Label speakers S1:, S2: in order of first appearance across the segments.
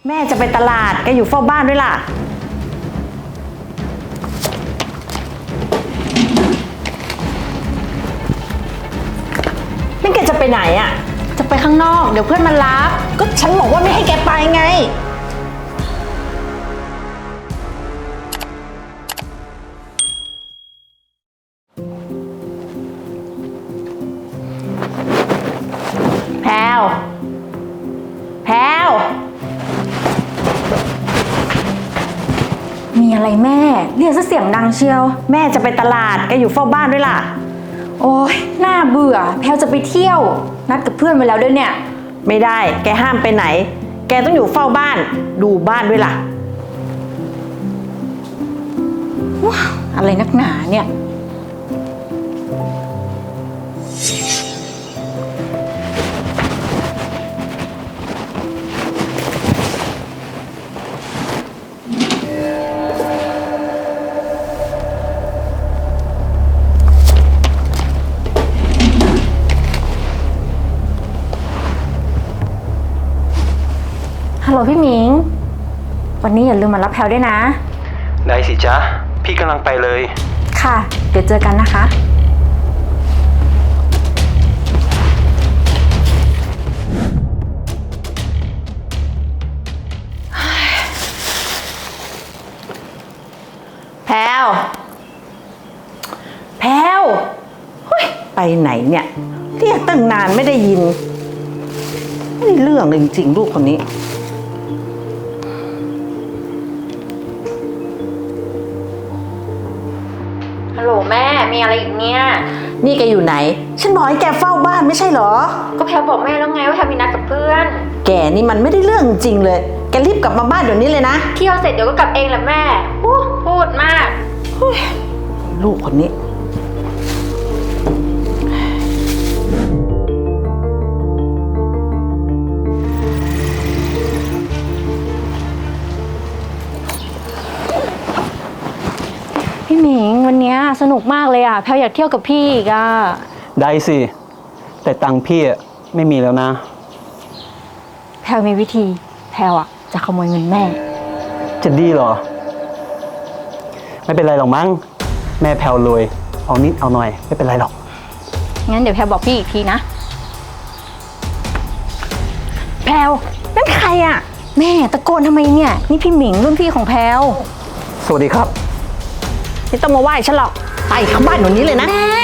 S1: แม่จะไปตลาดแกอยู่เฝ้าบ้านด้วยล่ะนี่แกจะไปไหนอ่ะ
S2: จะไปข้างนอกเดี๋ยวเพื่อนมารับ
S1: ก็ฉันบอกว่าไม่ให้แกไปไงแพรวแพรว
S2: มีอะไรแม่เรียกซะเสียงดังเชียว
S1: แม่จะไปตลาดแกอยู่เฝ้าบ้านด้วยล่ะ
S2: โอ๊ยน่าเบื่อแพลวจะไปเที่ยวนัดกับเพื่อนไว้แล้วด้วยเนี่ย
S1: ไม่ได้แกห้ามไปไหนแกต้องอยู่เฝ้าบ้านดูบ้านด้วยล่ะ
S2: ว้าวอะไรนักหนาเนี่ยฮัลโหลพี่หมิงวันนี้อย่าลืมมารับแพลวด้วยนะ
S3: ได้สิจ๊ะพี่กำลังไปเลย
S2: ค่ะเดี๋ยวเจอกันนะคะ
S1: แพรวแพรวเฮ้ยไปไหนเนี่ยเรียกตั้งนานไม่ได้ยินไม่ได้เรื่องเลยจริงๆลูกคนนี้
S2: ฮัลโหลแม่มีอะไรอีกเนี่ย
S1: นี่แกอยู่ไหนฉันบอกให้แกเฝ้าบ้านไม่ใช่เหรอ
S2: ก็แพลบอกแม่แล้วไงว่าแพลมีนัดกับเพื่อน
S1: แกนี่มันไม่ได้เรื่องจริงเลยแกรีบกลับมาบ้านเดี๋ยวนี้เลยนะ
S2: เที่ยวเสร็จเดี๋ยวก็กลับเองแหละแม่พูดมาก
S1: ลูกคนนี้
S2: พี่หมิงวันนี้สนุกมากเลยอ่ะแพลอยากเที่ยวกับพี่อีกอ่ะ
S3: ได้สิแต่ตังค์พี่ไม่มีแล้วนะ
S2: แพลมีวิธีแพลอ่ะจะขโมยเงินแม่
S3: จะดีเหรอไม่เป็นไรหรอกมั้งแม่แพลรวยเอานิดเอาหน่อยไม่เป็นไรหรอก
S2: งั้นเดี๋ยวแพลบอกพี่อีกทีนะแพล
S1: นั่นใครอ่ะ
S2: แม่ตะโกนทำไมเนี่ยนี่พี่หมิงรุ่นพี่ของแพล
S3: สวัสดีครับ
S1: ไม่ต้องมาไหว้ฉันหรอกไปเข้าบ้านหนูนี้เลยนะ
S2: แม่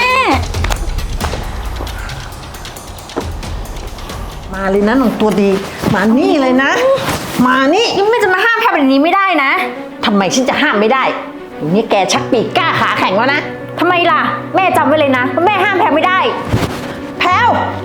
S1: มาเลยนะหนูตัวดีมานี่เลยนะมานี่
S2: ยังไม่จะมาห้ามแพลแบบนี้ไม่ได้นะ
S1: ทำไมฉันจะห้ามไม่ได้นี่แกชักปีกกล้าขาแข็งแล้วนะ
S2: ทำไมล่ะแม่จำไว้เลยนะว่าแม่ห้ามแพลไม่ได้
S1: แพลว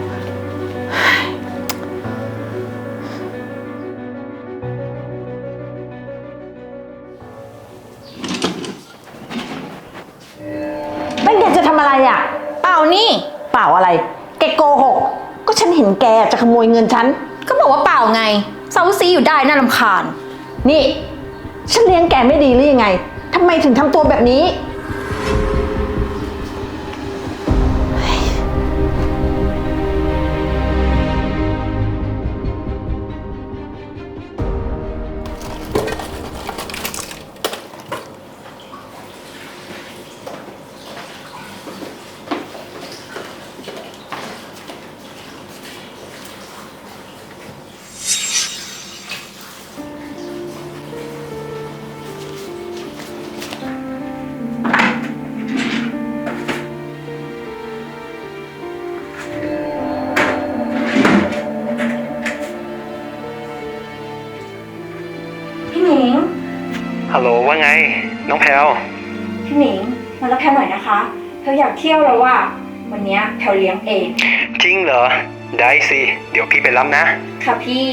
S1: นั่นแกจะทำอะไรอ่ะ
S2: เปล่านี่
S1: เปล่าอะไรแกโกหกก็ฉันเห็นแกจะขโมยเงินฉัน
S2: ก็บอกว่าเปล่าไงเซาซีอยู่ได้น่ารำคาญ
S1: นี่ฉันเลี้ยงแกไม่ดีหรือยังไงทำไมถึงทำตัวแบบนี้
S3: ฮัลโหลว่าไงน้องแพลว
S2: พี่หมิงมารับแพลหน่อยนะคะแพลอยากเที่ยวแล้วว่าวันนี้แพลเลี้ยงเอง
S3: จริงเหรอได้สิเดี๋ยวพี่ไปรับนะ
S2: ค่ะพี่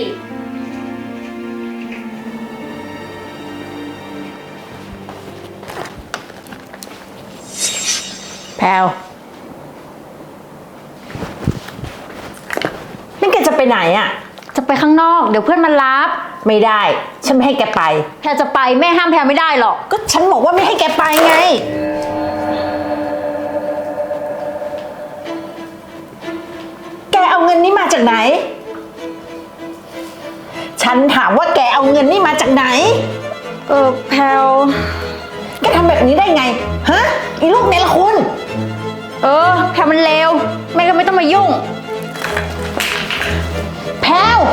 S1: แพลวนี่แกจะไปไหนอ่ะ
S2: จะไปข้างนอกเดี๋ยวเพื่อนมารับ
S1: ไม่ได้ฉันไม่ให้แกไป
S2: แพลจะไปแม่ห้ามแพลไม่ได้หรอก
S1: ก็ฉันบอกว่าไม่ให้แกไปไงแกเอาเงินนี้มาจากไหนฉันถามว่าแกเอาเงินนี่มาจากไหน
S2: แพลว
S1: แกทำแบบนี้ได้ไง ฮะ อีลูกเนรคุณ
S2: แพลวมันเลวแม่ก็ไม่ต้องมายุ่ง
S1: แพลว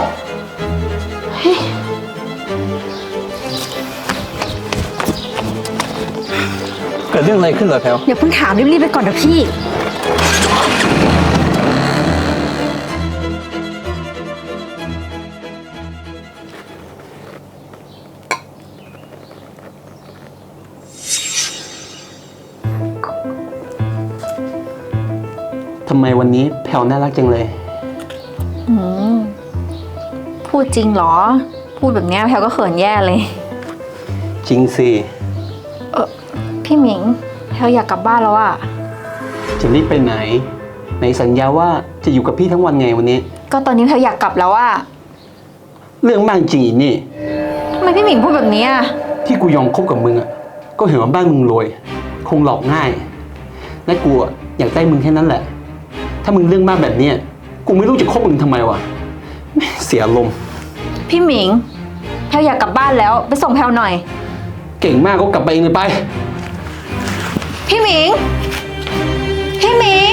S3: เกิดเรื่องอะไรขึ้นเหรอแพลว
S2: เดี๋ยวเพิ่งถามรีบๆไปก่อนนะพี่
S3: ทำไมวันนี้แพลวน่ารักจังเลย
S2: พูดจริงเหรอ พูดแบบเนี้ยแพลวก็เขินแย่เลย
S3: จริงสิ
S2: พี่หมิงแพลวอยากกลับบ้านแล้วอะ
S3: จะรีบไปไหนไหนสัญญาว่าจะอยู่กับพี่ทั้งวันไงวันนี้
S2: ก็ตอนนี้แพลวอยากกลับแล้วอะ
S3: เรื่องมากจริงอีนี่
S2: ทำไมพี่หมิงพูดแบบนี้อะ
S3: ที่กูยอมคบกับมึงอ่ะ ก็เห็นว่าบ้านมึงรวย คงหลอกง่าย และกูอะอยากได้มึงแค่นั้นแหละ ถ้ามึงเรื่องมากแบบเนี้ยกูไม่รู้จะคบมึงทำไมวะแม่งเสียอารมณ์
S2: พี่หมิงแพลวอยากกลับบ้านแล้วไปส่งแพลวหน่อย
S3: เก่งมากก็กลับไปเองเลยไป
S2: พี่หมิง พี่หมิง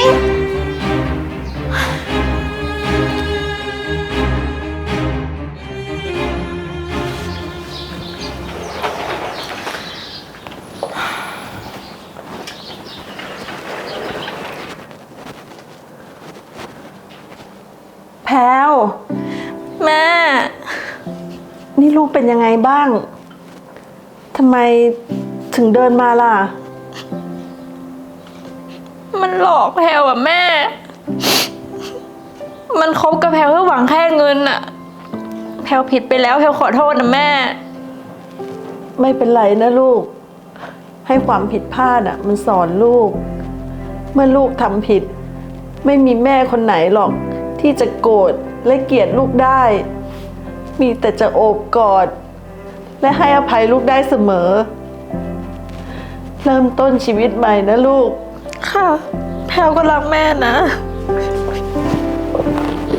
S1: แพลว
S2: แม่
S1: นี่ลูกเป็นยังไงบ้าง ทำไมถึงเดินมาล่ะ
S2: มันหลอกแพลวอะแม่ มันคบกับแพลวเพื่อหวังแค่เงินอะแพลวผิดไปแล้วแพลวขอโทษนะแม่
S1: ไม่เป็นไรนะลูก ให้ความผิดพลาดอ่ะ มันสอนลูก เมื่อลูกทำผิด ไม่มีแม่คนไหนหรอก ที่จะโกรธและเกลียดลูกได้ มีแต่จะโอบกอด และให้อภัยลูกได้เสมอ เริ่มต้นชีวิตใหม่นะลูก
S2: ค่ะ แพลวก็รักแม่นะ